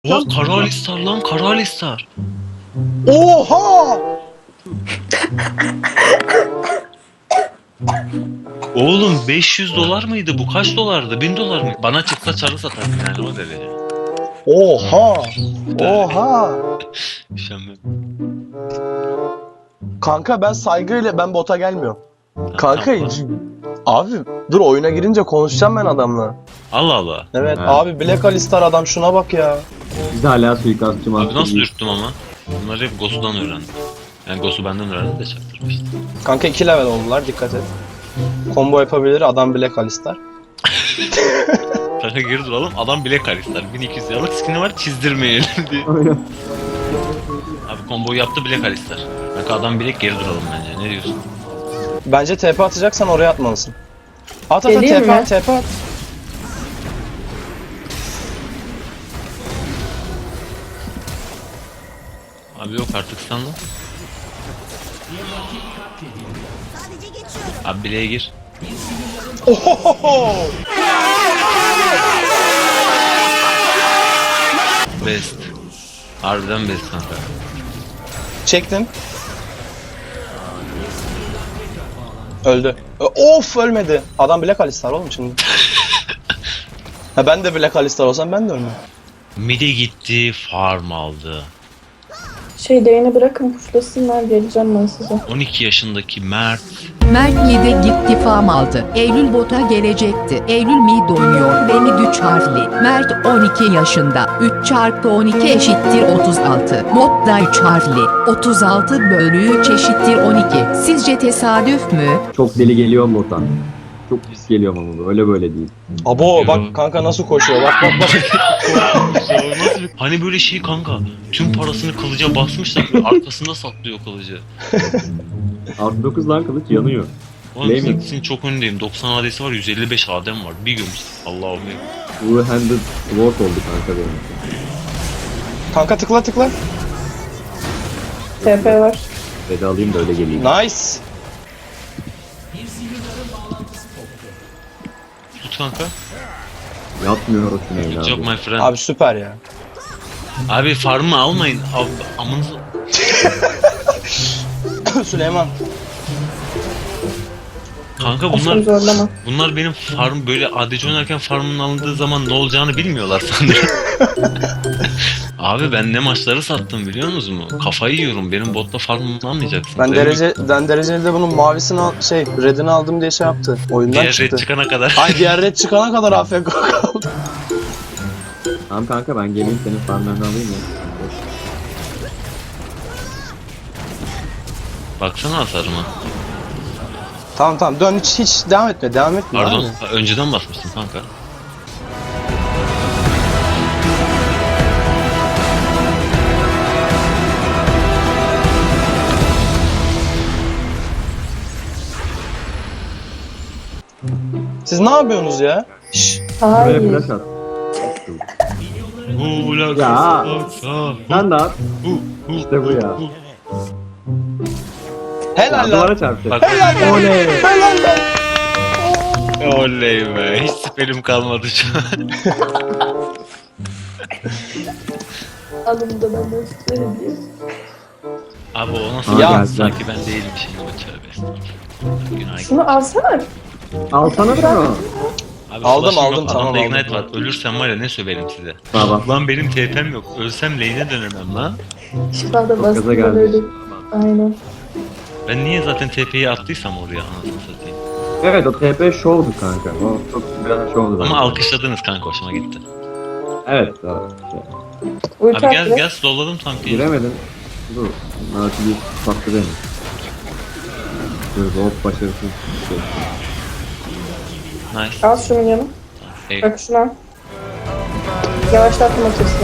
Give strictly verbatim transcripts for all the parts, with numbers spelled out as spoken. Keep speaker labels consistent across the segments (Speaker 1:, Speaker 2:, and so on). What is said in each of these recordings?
Speaker 1: Oha, Kara Alistar lan, Kara Alistar.
Speaker 2: Oha!
Speaker 1: Oğlum beş yüz dolar mıydı bu? Kaç dolardı? bin dolar mı? Bana çıksa çarı satarım yani o derece.
Speaker 2: Oha! Oha!
Speaker 1: Üşenmem.
Speaker 2: Kanka ben saygıyla ben bota gelmiyorum. Kanka
Speaker 1: Tamam.
Speaker 2: abi dur oyuna girince konuşacağım ben adamla.
Speaker 1: Allah Allah.
Speaker 2: Evet
Speaker 3: Ha.
Speaker 2: abi Black Alistar adam şuna bak ya.
Speaker 3: Biz de hala suikastçı
Speaker 1: Abi
Speaker 3: master
Speaker 1: nasıl
Speaker 3: değil.
Speaker 1: ürktüm ama? Bunları hep Gosu'dan öğrendim. Yani Gosu benden öğrendi de çaktırmıştı.
Speaker 2: Kanka iki level oldular dikkat et. Combo yapabilir adam Black Alistar.
Speaker 1: Kanka geri duralım, adam bile Alistar. bin iki yüz liralık skin'i var, çizdirmeyelim diye.
Speaker 3: Aynen.
Speaker 1: Abi komboyu yaptı bile Alistar. Kanka adam bile geri duralım bence, ne diyorsun?
Speaker 2: Bence T P atacaksan oraya atmalısın. At at at
Speaker 4: Geleyim
Speaker 2: T P
Speaker 4: mi?
Speaker 2: at T P at.
Speaker 1: Abi yok artık sandım. Abi bileğe gir.
Speaker 2: Ohohoho!
Speaker 1: Best. Harbiden best kanka.
Speaker 2: Çektim. Öldü. Ö- Of ölmedi. Adam Black Alistar oğlum şimdi. Ha ben de Black Alistar olsam ben de ölmem.
Speaker 1: Midi gitti, farm aldı.
Speaker 4: Şey değini bırakın puşlasınlar geleceğim ben size.
Speaker 1: on iki yaşındaki Mert.
Speaker 5: Mert yedi gitti farm aldı. Eylül bota gelecekti. Eylül mid oynuyor. Beni üç harfli. Mert on iki yaşında. üç çarpı on iki eşittir otuz altı. Mod da üç harfli. otuz altı bölü üç eşittir on iki. Sizce tesadüf mü?
Speaker 3: Çok deli geliyor botan. Çok pis geliyor ama bu. Öyle böyle değil.
Speaker 2: Abo bak kanka nasıl koşuyor bak bak bak.
Speaker 1: Nasıl bir- Hani böyle şey kanka, tüm parasını kılıca basmışlar, böyle arkasında saklıyor kılıcı.
Speaker 3: Artı dokuz lan kılıç yanıyor.
Speaker 1: Oğlum
Speaker 3: Flaming.
Speaker 1: sizin çok öndeyim, doksan A D'si var, yüz elli beş A D'm var, bir gömüş. Allah'ım ya.
Speaker 3: Two-handed sword oldu kanka benim.
Speaker 2: Kanka tıkla tıkla.
Speaker 4: T P var.
Speaker 3: Veda alayım da öyle geleyim.
Speaker 2: Nice.
Speaker 1: Tut kanka.
Speaker 3: Yatmıyor o tünel
Speaker 1: Good job
Speaker 3: abi.
Speaker 1: my friend.
Speaker 2: Abi süper ya.
Speaker 1: Abi farmı almayın. Abi, amınızı...
Speaker 2: Süleyman.
Speaker 1: Kanka
Speaker 4: Aşkım
Speaker 1: bunlar
Speaker 4: zorlama.
Speaker 1: bunlar benim farm böyle A D C oynarken farmın alındığı zaman ne olacağını bilmiyorlar sanırım. Abi ben ne maçları sattım biliyor musunuz mu? Kafayı yiyorum. Benim botta farmımı almayacaksın.
Speaker 2: Ben
Speaker 1: Benim
Speaker 2: derece ben dereceli de bunun mavisini al, şey redini aldım diye şey yaptı. Oyundan
Speaker 1: diğer
Speaker 2: çıktı.
Speaker 1: red çıkana kadar.
Speaker 2: Ay diğer red çıkana kadar A F K kaldı.
Speaker 3: Tamam kanka ben geleyim senin farmlarını alayım ya.
Speaker 1: Baksana hasarıma.
Speaker 2: Tamam tamam dön hiç hiç devam etme devam etme.
Speaker 1: Pardon.
Speaker 2: abi.
Speaker 1: ha, Önceden basmıştım kanka.
Speaker 2: Siz ne yapıyorsunuz ya? Şşş.
Speaker 3: Buraya
Speaker 4: Hayır.
Speaker 3: flash at.
Speaker 1: Hula
Speaker 3: Ya.
Speaker 1: kasa,
Speaker 3: Sen de at.
Speaker 1: hu, hu,
Speaker 3: İşte bu ya.
Speaker 1: hu.
Speaker 2: Helal
Speaker 3: Ya,
Speaker 2: lan.
Speaker 3: duvara çarptı.
Speaker 1: Bak,
Speaker 3: Oley.
Speaker 2: Helal lan.
Speaker 1: oley be. Hiç siperim kalmadı şu an.
Speaker 4: Alın da ben de isterim diye.
Speaker 1: Abi o nasıl
Speaker 3: Ya.
Speaker 1: ya. Sanki ben değilmişim bu tövbe estağfurullah. Günah.
Speaker 4: Şunu alsana.
Speaker 3: Alsana şunu.
Speaker 1: Abi
Speaker 2: Aldım,
Speaker 1: flash'ım
Speaker 2: aldım,
Speaker 1: yok,
Speaker 2: tamam,
Speaker 1: adamda
Speaker 2: aldım.
Speaker 1: ignite var. Ölürsem var ya ne söverim size.
Speaker 3: Baba.
Speaker 1: Lan benim T P'm yok. Ölsem lane'e dönemem lan.
Speaker 4: Şifa da
Speaker 3: gaza
Speaker 4: bastım
Speaker 3: geldi.
Speaker 4: böyle. Aynen.
Speaker 1: Ben niye zaten T P'yi attıysam oraya anasını satayım.
Speaker 3: Evet o T P show'du kanka. O çok biraz show'du bence.
Speaker 1: Ama alkışladınız kanka, hoşuma gitti.
Speaker 3: Evet. evet.
Speaker 4: Ulti
Speaker 1: Abi gel
Speaker 4: attı.
Speaker 1: gel slowladım tam ki.
Speaker 3: Giremedim. Dur. Nautilus sattı beni. Dur hop başarısız şey.
Speaker 1: Nice.
Speaker 4: Al şunu yanı.
Speaker 1: Ey,
Speaker 4: Bak şunu al. Yavaşlattım atırsın.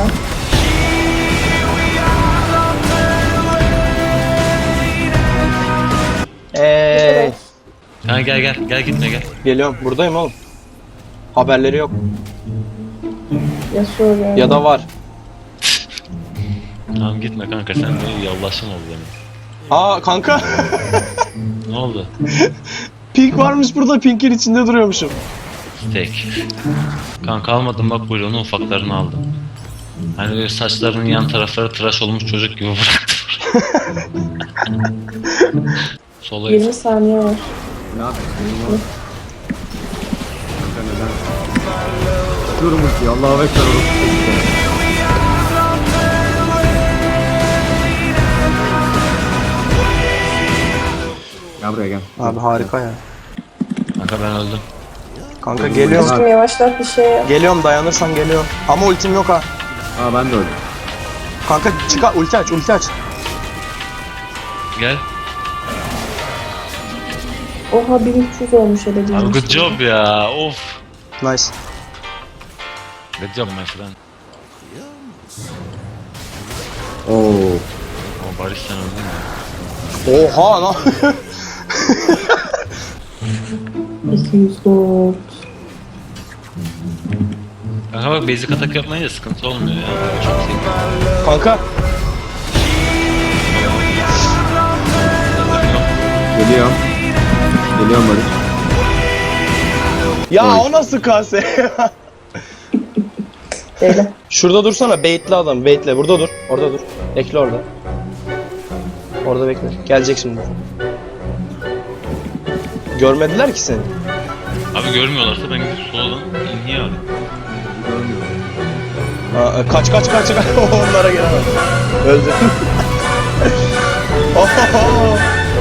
Speaker 2: Eee
Speaker 1: Ha, gel gel gel gitme gel.
Speaker 2: geliyorum buradayım oğlum. Haberleri yok.
Speaker 4: Yasuo yani.
Speaker 2: Ya da var.
Speaker 1: Tamam gitme kanka, sen böyle yallaşım oldu benim.
Speaker 2: Aa kanka.
Speaker 1: Ne oldu?
Speaker 2: Pink varmış burada, Pink'in içinde duruyormuşum.
Speaker 1: Tek. Kanka almadım bak, buyur, onun ufaklarını aldım. Hani böyle saçlarının yan tarafları tıraş olmuş çocuk gibi bıraktı. Sola
Speaker 4: yirmi saniye var.
Speaker 3: Ne yapıyorsun? Benim Kanka neden? Tutuyorum ultiyi. Allah'a bekler oğlum. Gel buraya gel.
Speaker 2: Abi harika ya.
Speaker 1: Kanka ben öldüm.
Speaker 2: Kanka geliyorum.
Speaker 4: Aşkım yavaşlat bir şey yap.
Speaker 2: Geliyorum dayanırsan geliyorum. Ama ultim yok ha.
Speaker 3: Aa ben de öldüm.
Speaker 2: Kanka çıkar ulti aç ulti aç.
Speaker 1: Gel.
Speaker 4: Oha bin üç yüz olmuş hele
Speaker 1: Abi
Speaker 4: diyeyim.
Speaker 1: good job ya. Of.
Speaker 2: Nice.
Speaker 1: Good job my friend.
Speaker 3: Oo.
Speaker 1: Ama Barış sen öldün ya.
Speaker 2: Oha lan.
Speaker 4: iki yüz dört.
Speaker 1: Kanka bak basic atak yapmayınca sıkıntı olmuyor ya. Çok sevdim.
Speaker 2: Kanka.
Speaker 3: Geliyorum. Geliyorum Barış.
Speaker 2: Ya
Speaker 3: Oy.
Speaker 2: o nasıl kase?
Speaker 4: Böyle.
Speaker 2: Şurada dursana baitli adam baitle burada dur. Orada dur. Bekle orada. Orada bekle. Gelecek şimdi. Görmediler ki seni.
Speaker 1: Abi görmüyorlarsa ben gidip soldan inhiye abi.
Speaker 2: Aa, kaç kaç kaç kaç. Onlara gelemem. Öldü. Ohoho.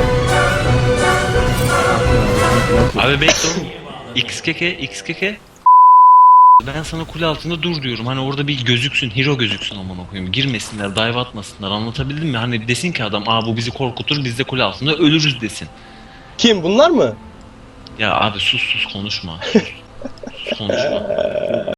Speaker 1: Abi bekle oğlum. X K K, X K K. Ben sana kule altında dur diyorum. Hani orada bir gözüksün, hero gözüksün aman koyayım. Girmesinler, dive atmasınlar. Anlatabildim mi? Hani desin ki adam, aa bu bizi korkutur, biz de kule altında ölürüz desin.
Speaker 2: Kim bunlar mı?
Speaker 1: Ya abi sus sus konuşma. Sus, sus konuşma.